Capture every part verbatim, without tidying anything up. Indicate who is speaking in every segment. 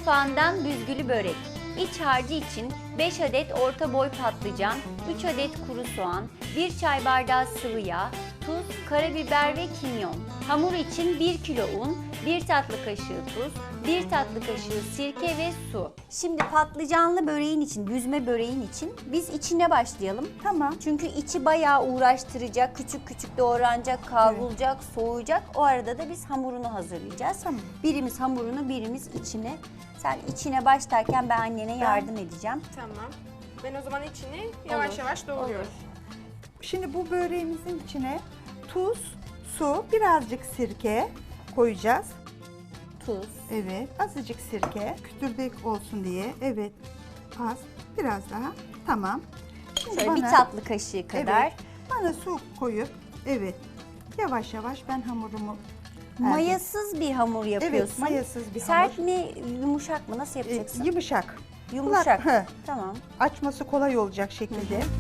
Speaker 1: mutfağından büzgülü börek. İç harcı için beş adet orta boy patlıcan, üç adet kuru soğan, bir çay bardağı sıvı yağ, tuz, karabiber ve kimyon. Hamur için bir kilo un, bir tatlı kaşığı tuz, bir tatlı kaşığı sirke ve su. Şimdi patlıcanlı böreğin için, büzme böreğin için biz içine başlayalım.
Speaker 2: Tamam.
Speaker 1: Çünkü içi bayağı uğraştıracak, küçük küçük doğranacak, kavrulacak, evet. soğuyacak. O arada da biz hamurunu hazırlayacağız.
Speaker 2: Tamam.
Speaker 1: Birimiz hamurunu, birimiz içine. Sen içine başlarken ben annene
Speaker 2: Ben...
Speaker 1: yardım edeceğim.
Speaker 3: Tamam. Ben o zaman içini yavaş
Speaker 1: Olur,
Speaker 3: yavaş doğruyorum.
Speaker 1: olur.
Speaker 2: Şimdi bu böreğimizin içine tuz, su, birazcık sirke koyacağız.
Speaker 1: Tuz.
Speaker 2: Evet, azıcık sirke. Kütürdek olsun diye. Evet, az. Biraz daha. Tamam. Şimdi
Speaker 1: Şöyle
Speaker 2: bana,
Speaker 1: bir tatlı kaşığı kadar.
Speaker 2: Evet, bana su koyup, evet, yavaş yavaş ben hamurumu...
Speaker 1: Mayasız bir hamur yapıyorsun.
Speaker 2: Evet, mayasız bir
Speaker 1: Sert
Speaker 2: hamur.
Speaker 1: mi, yumuşak mı? Nasıl yapacaksın?
Speaker 2: Ee, yumuşak.
Speaker 1: Yumuşak.
Speaker 2: Kulak,
Speaker 1: Tamam.
Speaker 2: açması kolay olacak şekilde. Hı hı.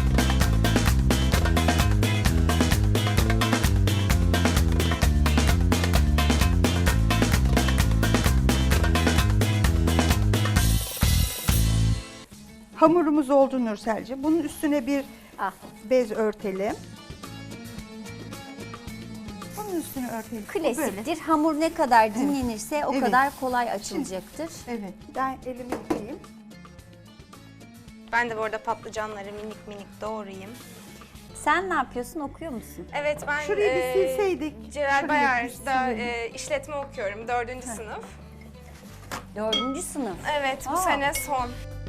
Speaker 2: Hamurumuz oldu Nurselciğim. Bunun üstüne bir
Speaker 1: Ah.
Speaker 2: bez örtelim. Bunun üstüne örtelim.
Speaker 1: Klasiktir. Hamur ne kadar dinlenirse evet. o
Speaker 2: evet.
Speaker 1: kadar kolay açılacaktır.
Speaker 2: Evet. Ben elimi yıkayayım.
Speaker 3: Ben de bu arada patlıcanları minik minik doğrayayım.
Speaker 1: Sen ne yapıyorsun? Okuyor musun?
Speaker 3: Evet, ben
Speaker 2: Şurayı bir silseydik.
Speaker 3: Celal Bayar'da e, işletme okuyorum. Dördüncü
Speaker 2: Heh.
Speaker 3: sınıf.
Speaker 1: Dördüncü sınıf.
Speaker 3: Evet, bu
Speaker 1: Aa.
Speaker 3: sene son.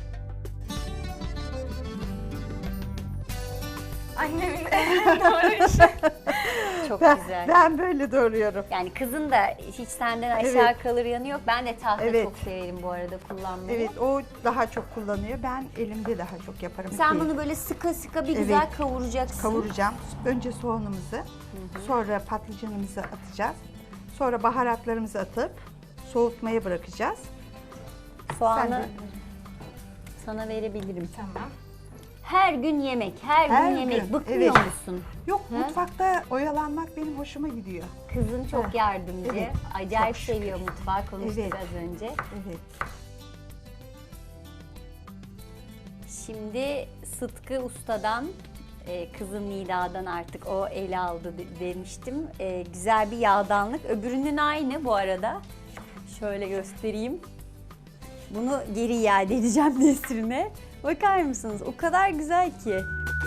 Speaker 3: Annemin doğru işi.
Speaker 1: Çok
Speaker 2: Ben,
Speaker 1: güzel.
Speaker 2: ben böyle doğruyorum.
Speaker 1: Yani kızın da hiç senden aşağı
Speaker 2: Evet.
Speaker 1: kalır yanı yok. Ben de tahta
Speaker 2: Evet.
Speaker 1: çok severim bu arada kullanmayı.
Speaker 2: Evet, o daha çok kullanıyor. Ben elimde daha çok yaparım.
Speaker 1: Sen
Speaker 2: Ki.
Speaker 1: bunu böyle sıkı sıkı bir
Speaker 2: Evet.
Speaker 1: güzel kavuracaksın.
Speaker 2: Kavuracağım. Önce soğanımızı, sonra patlıcanımızı atacağız. Sonra baharatlarımızı atıp soğutmaya bırakacağız.
Speaker 1: Soğanı
Speaker 2: Sen de-
Speaker 1: sana verebilirim.
Speaker 3: Tamam.
Speaker 1: Her gün yemek, her,
Speaker 2: Her
Speaker 1: gün yemek.
Speaker 2: gün,
Speaker 1: Bıkmıyor
Speaker 2: evet.
Speaker 1: musun?
Speaker 2: Yok, mutfakta oyalanmak benim hoşuma gidiyor.
Speaker 1: Kızın çok
Speaker 2: Ha,
Speaker 1: yardımcı.
Speaker 2: evet.
Speaker 1: Acayip
Speaker 2: Çok şükür.
Speaker 1: seviyor mutfağı. Konuştuk
Speaker 2: Evet.
Speaker 1: az önce.
Speaker 2: Evet.
Speaker 1: Şimdi Sıtkı Usta'dan, e, kızım Nida'dan artık o ele aldı de- demiştim. E, güzel bir yağdanlık. Öbürünün aynı bu arada. Şöyle göstereyim. Bunu geri iade edeceğim Nesrin'e. Bakar mısınız? O kadar güzel ki.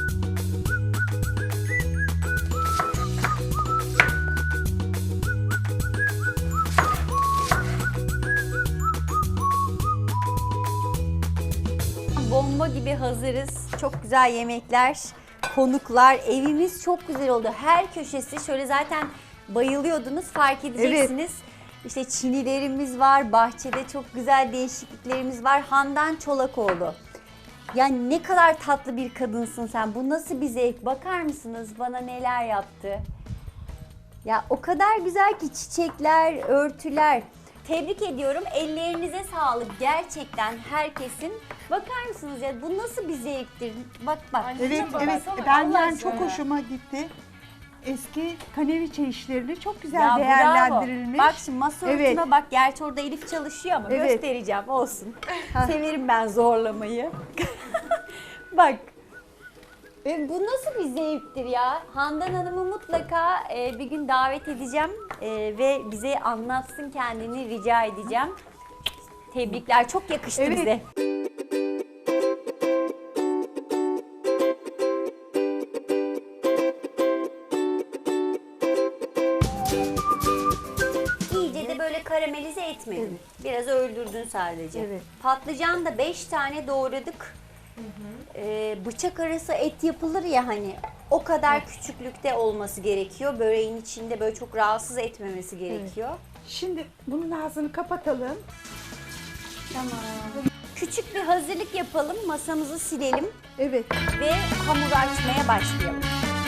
Speaker 1: Bomba gibi hazırız. Çok güzel yemekler, konuklar. Evimiz çok güzel oldu. Her köşesi şöyle zaten bayılıyordunuz, fark edeceksiniz. İşte çinilerimiz var, bahçede çok güzel değişikliklerimiz var. Handan Çolakoğlu. Yani ne kadar tatlı bir kadınsın sen. Bu nasıl bir zevk? Bakar mısınız bana neler yaptı? Ya o kadar güzel ki çiçekler, örtüler. Tebrik ediyorum. Ellerinize sağlık. Gerçekten herkesin. Bakar mısınız ya bu nasıl bir zevktir? Bak bak.
Speaker 2: Evet,
Speaker 3: Anneciğim,
Speaker 2: evet.
Speaker 3: baksana,
Speaker 2: Ben
Speaker 3: Allah
Speaker 2: yani çok
Speaker 3: aşkına.
Speaker 2: hoşuma gitti. Eski kaneviçe işlerini çok güzel
Speaker 1: Ya
Speaker 2: değerlendirilmiş.
Speaker 1: bravo. Bak şimdi masa
Speaker 2: Evet.
Speaker 1: örtüme bak. Gerçi orada Elif çalışıyor ama
Speaker 2: Evet.
Speaker 1: göstereceğim olsun. Severim ben zorlamayı. Bak. E, bu nasıl bir zevktir ya? Handan Hanım'ı mutlaka e, bir gün davet edeceğim e, ve bize anlatsın kendini rica edeceğim. Tebrikler. Çok yakıştı
Speaker 2: Evet.
Speaker 1: bize. İyice de böyle karamelize etmedin. Biraz öldürdün sadece.
Speaker 2: Evet.
Speaker 1: Patlıcan da beş tane doğradık. Ee, bıçak arası et yapılır ya hani o kadar küçüklükte olması gerekiyor. Böreğin içinde böyle çok rahatsız etmemesi gerekiyor.
Speaker 2: Şimdi bunun ağzını kapatalım.
Speaker 1: Tamam. Küçük bir hazırlık yapalım, masamızı silelim
Speaker 2: Evet.
Speaker 1: ve hamuru açmaya başlayalım.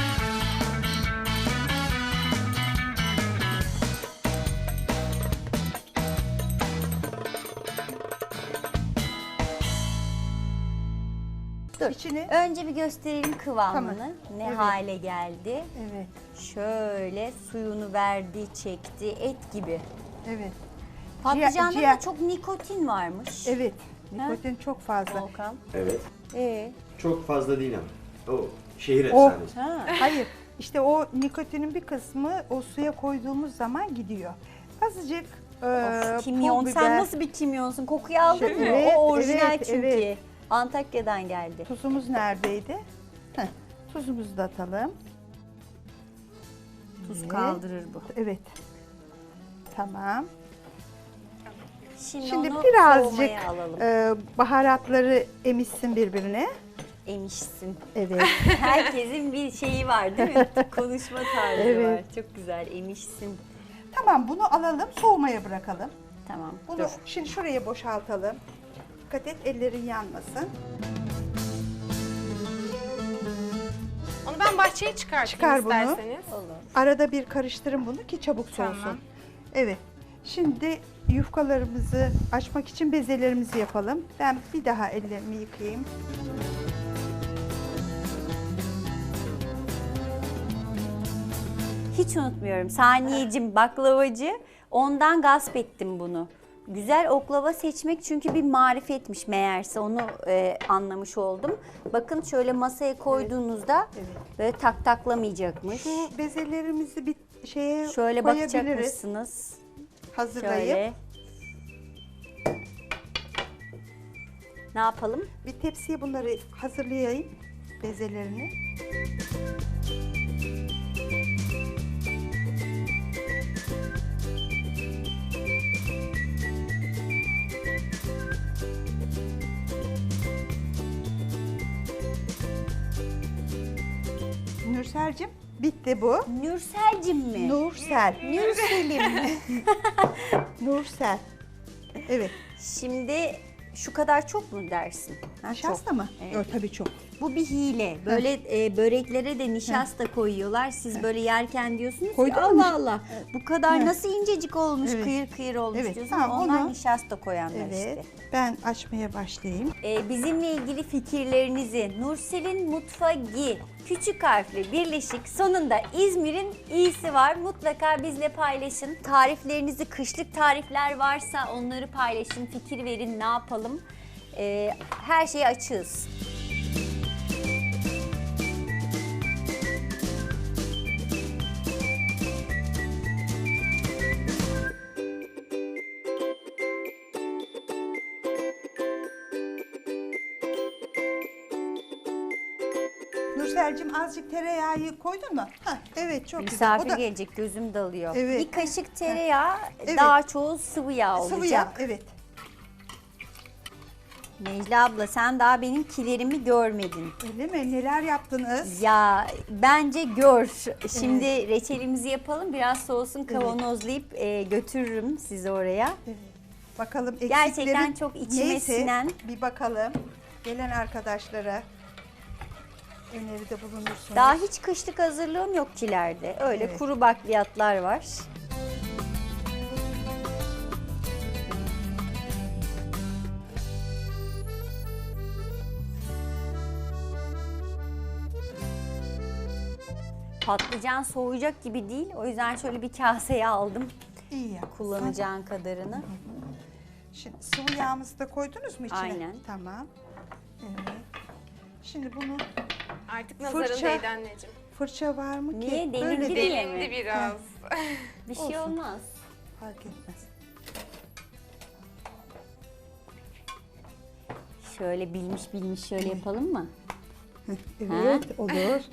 Speaker 1: Dur.
Speaker 2: İçini.
Speaker 1: Önce bir gösterelim kıvamını.
Speaker 2: Tamam.
Speaker 1: Ne
Speaker 2: Evet.
Speaker 1: hale geldi.
Speaker 2: Evet.
Speaker 1: Şöyle suyunu verdi, çekti, et gibi.
Speaker 2: Evet.
Speaker 1: Patlıcanda
Speaker 2: ciğer-
Speaker 1: da çok nikotin varmış.
Speaker 2: Evet. Nikotin çok fazla.
Speaker 1: Volkan.
Speaker 4: Evet.
Speaker 1: Ee,
Speaker 4: Çok fazla değil ama. O şehir
Speaker 2: O-
Speaker 4: efsanesi.
Speaker 1: ha.
Speaker 2: Hayır. İşte o nikotinin bir kısmı o suya koyduğumuz zaman gidiyor. Azıcık e,
Speaker 1: Of, kimyon.
Speaker 2: pul
Speaker 1: Sen
Speaker 2: biber,
Speaker 1: nasıl bir kimyonsun? Kokuyu aldın mı?
Speaker 2: Evet,
Speaker 1: O orijinal
Speaker 2: evet,
Speaker 1: çünkü.
Speaker 2: evet.
Speaker 1: Antakya'dan geldi.
Speaker 2: tuzumuz neredeydi? Heh, tuzumuzu da atalım.
Speaker 1: Tuz
Speaker 2: Evet.
Speaker 1: kaldırır bu.
Speaker 2: Evet. Tamam.
Speaker 1: Şimdi,
Speaker 2: Şimdi
Speaker 1: onu
Speaker 2: birazcık
Speaker 1: soğumaya alalım.
Speaker 2: e, baharatları emişsin birbirine.
Speaker 1: Emişsin.
Speaker 2: Evet.
Speaker 1: Herkesin bir şeyi var değil mi? Konuşma tarzı
Speaker 2: Evet.
Speaker 1: var. Çok güzel. Emişsin.
Speaker 2: Tamam, bunu alalım, soğumaya bırakalım.
Speaker 1: Tamam.
Speaker 2: Bunu
Speaker 1: Dur.
Speaker 2: şimdi şuraya boşaltalım. Dikkat et, ellerin yanmasın.
Speaker 3: Onu ben bahçeye çıkartayım
Speaker 2: Çıkar bunu.
Speaker 3: isterseniz.
Speaker 1: Olur.
Speaker 2: Arada bir karıştırın bunu ki çabuk soğusun.
Speaker 3: Tamam.
Speaker 2: Evet. Şimdi yufkalarımızı açmak için bezelerimizi yapalım. Ben bir daha ellerimi yıkayayım.
Speaker 1: Hiç unutmuyorum. Saniyecim baklavacı. Ondan gasp ettim bunu. Güzel oklava seçmek çünkü bir marifetmiş meğerse, onu e, anlamış oldum. Bakın şöyle masaya koyduğunuzda
Speaker 2: Evet.
Speaker 1: böyle tak taklamayacakmış.
Speaker 2: Şu bezelerimizi bir şeye
Speaker 1: Şöyle bakacak
Speaker 2: koyabiliriz.
Speaker 1: mısınız?
Speaker 2: Hazırlayıp
Speaker 1: Şöyle. Ne yapalım?
Speaker 2: bir tepsiye bunları hazırlayayım, bezelerini. Nursel'cim, bitti bu.
Speaker 1: Nürselcim mi?
Speaker 2: Nursel.
Speaker 1: Nürselim.
Speaker 2: Nursel. Evet.
Speaker 1: Şimdi şu kadar çok mu dersin? Ha,
Speaker 2: Nişasta
Speaker 1: çok.
Speaker 2: mı?
Speaker 1: Evet.
Speaker 2: Yok, tabii çok.
Speaker 1: Bu bir hile. Böyle e, böreklere de nişasta koyuyorlar. Siz böyle yerken diyorsunuz
Speaker 2: Koydun
Speaker 1: ki
Speaker 2: mu
Speaker 1: Allah
Speaker 2: niş-
Speaker 1: Allah bu kadar
Speaker 2: Heh.
Speaker 1: nasıl incecik olmuş,
Speaker 2: Evet.
Speaker 1: kıyır kıyır olmuş
Speaker 2: Evet,
Speaker 1: diyorsunuz.
Speaker 2: tamam,
Speaker 1: Onlar
Speaker 2: onu-
Speaker 1: nişasta koyanlar
Speaker 2: Evet.
Speaker 1: işte.
Speaker 2: Ben açmaya başlayayım.
Speaker 1: E, bizimle ilgili fikirlerinizi Nursel'in Mutfagi küçük harfli birleşik sonunda İzmir'in iyisi var. Mutlaka bizle paylaşın. Tariflerinizi, kışlık tarifler varsa onları paylaşın. Fikir verin, ne yapalım. E, her şeye açığız.
Speaker 2: Nursel'cim, azıcık tereyağı koydun mu? Hah, evet, çok güzel.
Speaker 1: Misafir
Speaker 2: O da
Speaker 1: gelecek, gözüm dalıyor.
Speaker 2: Evet.
Speaker 1: Bir kaşık tereyağı,
Speaker 2: Evet.
Speaker 1: daha çoğu sıvı yağ olacak.
Speaker 2: sıvı yağ, evet.
Speaker 1: Necla abla, sen daha benim kilerimi görmedin.
Speaker 2: Öyle mi? Neler yaptınız?
Speaker 1: Ya bence gör. Şimdi reçelimizi yapalım. Biraz soğusun, kavanozlayıp e, götürürüm sizi oraya.
Speaker 2: Evet. Bakalım eksikleri
Speaker 1: Gerçekten çok içime
Speaker 2: neyse,
Speaker 1: sinen.
Speaker 2: bir bakalım. Gelen arkadaşlara öneride bulunursunuz.
Speaker 1: Daha hiç kışlık hazırlığım yok kilerde. Öyle
Speaker 2: Evet.
Speaker 1: kuru bakliyatlar var. Patlıcan soğuyacak gibi değil. O yüzden şöyle bir kaseye aldım.
Speaker 2: İyi yapmışsın.
Speaker 1: Kullanacağın kadarını.
Speaker 2: Şimdi sıvı yağımızı da koydunuz mu içine?
Speaker 1: Aynen.
Speaker 2: Tamam. Evet. Şimdi bunu
Speaker 3: Artık nazarın
Speaker 2: Fırça.
Speaker 3: değdi anneciğim.
Speaker 2: fırça var mı ki?
Speaker 1: Niye? Delindi
Speaker 2: Böyle
Speaker 1: diye
Speaker 2: değil.
Speaker 1: mi?
Speaker 3: Delindi biraz.
Speaker 1: Bir şey
Speaker 2: Olsun.
Speaker 1: olmaz.
Speaker 2: Fark etmez.
Speaker 1: Şöyle bilmiş bilmiş şöyle yapalım mı?
Speaker 2: Evet, olur. Evet.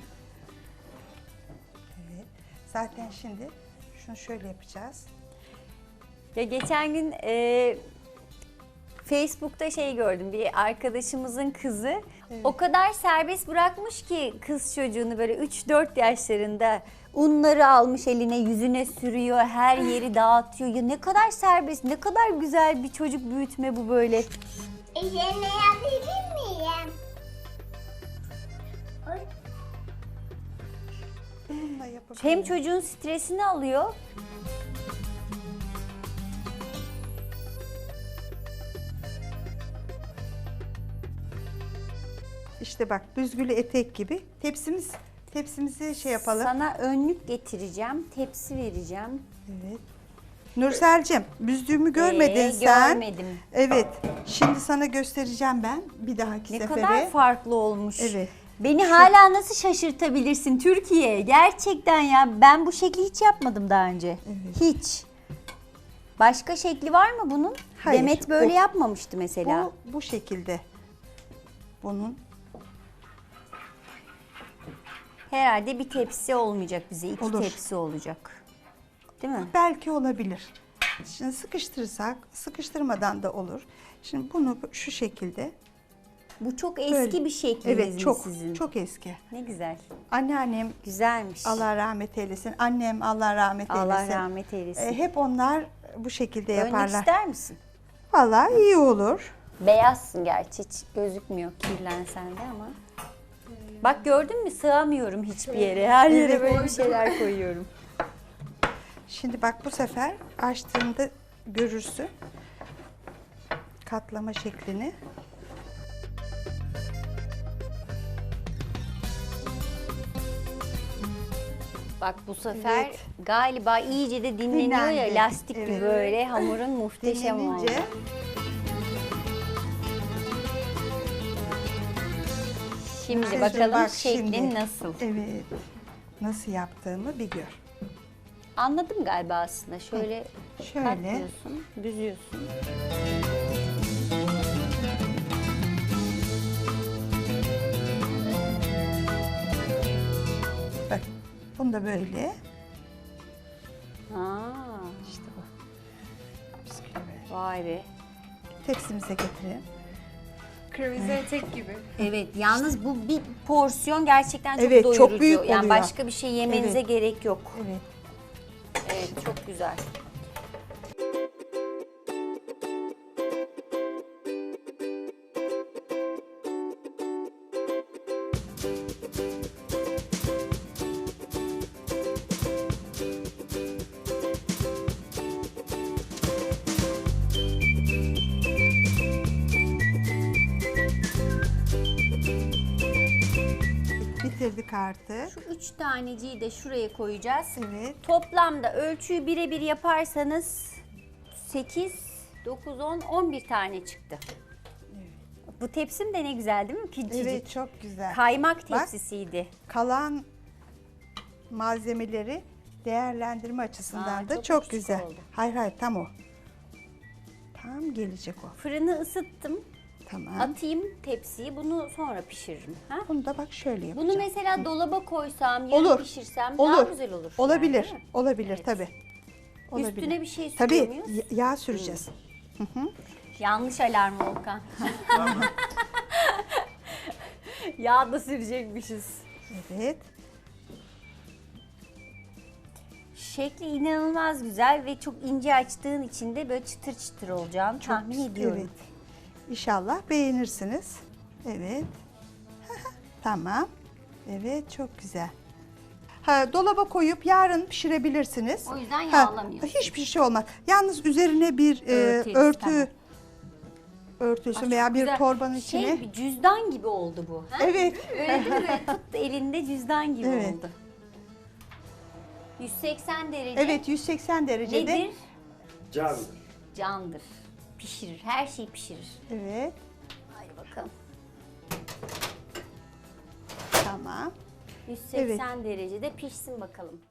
Speaker 2: Zaten şimdi şunu şöyle yapacağız.
Speaker 1: Ya geçen gün e, Facebook'ta şey gördüm, bir arkadaşımızın kızı o kadar serbest bırakmış ki kız çocuğunu, böyle üç dört yaşlarında unları almış eline, yüzüne sürüyor, her yeri dağıtıyor. Ya ne kadar serbest, ne kadar güzel bir çocuk büyütme bu böyle.
Speaker 5: Üzerine yapabilir miyim? Oy.
Speaker 2: Bununla yapabiliriz.
Speaker 1: Hem çocuğun stresini alıyor.
Speaker 2: İşte bak, büzgülü etek gibi. Tepsimiz, tepsimizi şey yapalım.
Speaker 1: Sana önlük getireceğim, tepsi vereceğim.
Speaker 2: Evet. Nursel'cim büzdüğümü görmedin
Speaker 1: Ee,
Speaker 2: sen.
Speaker 1: Görmedim.
Speaker 2: Evet. Şimdi sana göstereceğim ben bir dahaki
Speaker 1: Ne
Speaker 2: sefere.
Speaker 1: kadar farklı olmuş.
Speaker 2: Evet.
Speaker 1: Beni hala nasıl şaşırtabilirsin Türkiye? Gerçekten ya, ben bu şekli hiç yapmadım daha önce.
Speaker 2: Evet.
Speaker 1: Hiç. Başka şekli var mı bunun?
Speaker 2: Hayır,
Speaker 1: Demet böyle
Speaker 2: bu-
Speaker 1: yapmamıştı mesela.
Speaker 2: Bu, bu şekilde. Bunun
Speaker 1: Herhalde bir tepsi olmayacak bize. İki
Speaker 2: Olur.
Speaker 1: tepsi olacak. Değil mi?
Speaker 2: belki olabilir. Şimdi sıkıştırırsak, sıkıştırmadan da olur. Şimdi bunu şu şekilde.
Speaker 1: Bu çok eski
Speaker 2: Böyle.
Speaker 1: bir şekliniz
Speaker 2: Evet,
Speaker 1: mi
Speaker 2: çok
Speaker 1: sizin?
Speaker 2: çok eski.
Speaker 1: Ne güzel.
Speaker 2: Anneannem
Speaker 1: Güzelmiş.
Speaker 2: Allah rahmet eylesin. Annem Allah rahmet eylesin.
Speaker 1: Allah rahmet eylesin.
Speaker 2: E, hep onlar bu şekilde
Speaker 1: Dönmek
Speaker 2: yaparlar.
Speaker 1: ister misin?
Speaker 2: Vallahi iyi olur.
Speaker 1: Beyazsın gerçi, hiç gözükmüyor kirlensen de ama. Bak gördün mü, sığamıyorum hiçbir yere. Her yere
Speaker 2: Evet.
Speaker 1: böyle bir şeyler koyuyorum.
Speaker 2: Şimdi bak bu sefer açtığında görürsün katlama şeklini.
Speaker 1: Bak bu sefer
Speaker 2: Evet.
Speaker 1: galiba iyice de dinleniyor
Speaker 2: Dinlendi.
Speaker 1: ya, lastik gibi
Speaker 2: Evet.
Speaker 1: böyle hamurun muhteşem oldu.
Speaker 2: Dinlenince
Speaker 1: Şimdi
Speaker 2: Kızım
Speaker 1: bakalım
Speaker 2: bak
Speaker 1: şeklin
Speaker 2: şimdi.
Speaker 1: nasıl.
Speaker 2: evet nasıl yaptığımı bir gör.
Speaker 1: Anladım galiba aslında. Şöyle
Speaker 2: Şöyle
Speaker 1: katlıyorsun, büzüyorsun.
Speaker 2: bak bunu da böyle
Speaker 1: Aa,
Speaker 2: işte bu. Bisküvi.
Speaker 1: vay be.
Speaker 2: Tepsimize getirin.
Speaker 3: Kırmızı etek gibi.
Speaker 1: Evet, yalnız bu bir porsiyon gerçekten çok
Speaker 2: Evet, çok
Speaker 1: doyurucu.
Speaker 2: büyük
Speaker 1: Yani
Speaker 2: oluyor.
Speaker 1: başka bir şey yemenize
Speaker 2: Evet.
Speaker 1: gerek yok.
Speaker 2: Evet.
Speaker 1: Evet, çok güzel.
Speaker 2: Bitirdik artık.
Speaker 1: Şu üç taneciyi de şuraya koyacağız.
Speaker 2: Evet.
Speaker 1: Toplamda ölçüyü birebir yaparsanız sekiz, dokuz, on, on bir tane çıktı. Bu tepsim de ne güzel değil mi? Küçücük.
Speaker 2: Evet çok güzel.
Speaker 1: Kaymak
Speaker 2: Bak.
Speaker 1: tepsisiydi.
Speaker 2: Kalan malzemeleri değerlendirme açısından
Speaker 1: Aa,
Speaker 2: da
Speaker 1: çok
Speaker 2: çok,
Speaker 1: küçük
Speaker 2: güzel.
Speaker 1: oldu.
Speaker 2: Hayır hayır tam o. Tam gelecek o.
Speaker 1: Fırını ısıttım.
Speaker 2: Tamam.
Speaker 1: Atayım tepsiyi. Bunu sonra pişiririm. Ha?
Speaker 2: Bunu da bak şöyle yapacağım.
Speaker 1: Bunu mesela dolaba koysam, yarın
Speaker 2: Olur.
Speaker 1: pişirsem
Speaker 2: Olur.
Speaker 1: daha güzel olur.
Speaker 2: Olabilir.
Speaker 1: yani, değil mi?
Speaker 2: Olabilir
Speaker 1: Evet.
Speaker 2: tabii. Olabilir.
Speaker 1: Üstüne bir şey sürüyor
Speaker 2: Tabii
Speaker 1: muyuz?
Speaker 2: y- yağ süreceğiz.
Speaker 1: Yanlış alarm Volkan. Yağ da sürecekmişiz.
Speaker 2: Evet.
Speaker 1: Şekli inanılmaz güzel ve çok ince açtığın için de böyle çıtır çıtır olacağını
Speaker 2: Çok
Speaker 1: tahmin
Speaker 2: güzel,
Speaker 1: ediyorum.
Speaker 2: Evet. İnşallah beğenirsiniz. Evet. Tamam. Evet çok güzel. Ha, dolaba koyup yarın pişirebilirsiniz.
Speaker 1: O yüzden
Speaker 2: Ha,
Speaker 1: yağlamıyorsun.
Speaker 2: hiçbir şey olmaz. Yalnız üzerine bir e,
Speaker 1: Örtü,
Speaker 2: örtü
Speaker 1: tamam.
Speaker 2: örtüsün
Speaker 1: Ay,
Speaker 2: veya
Speaker 1: çok
Speaker 2: bir
Speaker 1: güzel.
Speaker 2: torbanın
Speaker 1: Şey,
Speaker 2: içine.
Speaker 1: bir cüzdan gibi oldu bu. Ha?
Speaker 2: Evet.
Speaker 1: Öyle değil mi? Böyle tuttu elinde cüzdan gibi
Speaker 2: Evet.
Speaker 1: oldu. yüz seksen derece
Speaker 2: Evet yüz seksen derecede.
Speaker 1: nedir?
Speaker 4: Candır.
Speaker 1: Candır. Pişirir. Her şeyi pişirir.
Speaker 2: Evet.
Speaker 1: Hadi bakalım.
Speaker 2: Tamam.
Speaker 1: yüz seksen derecede pişsin bakalım.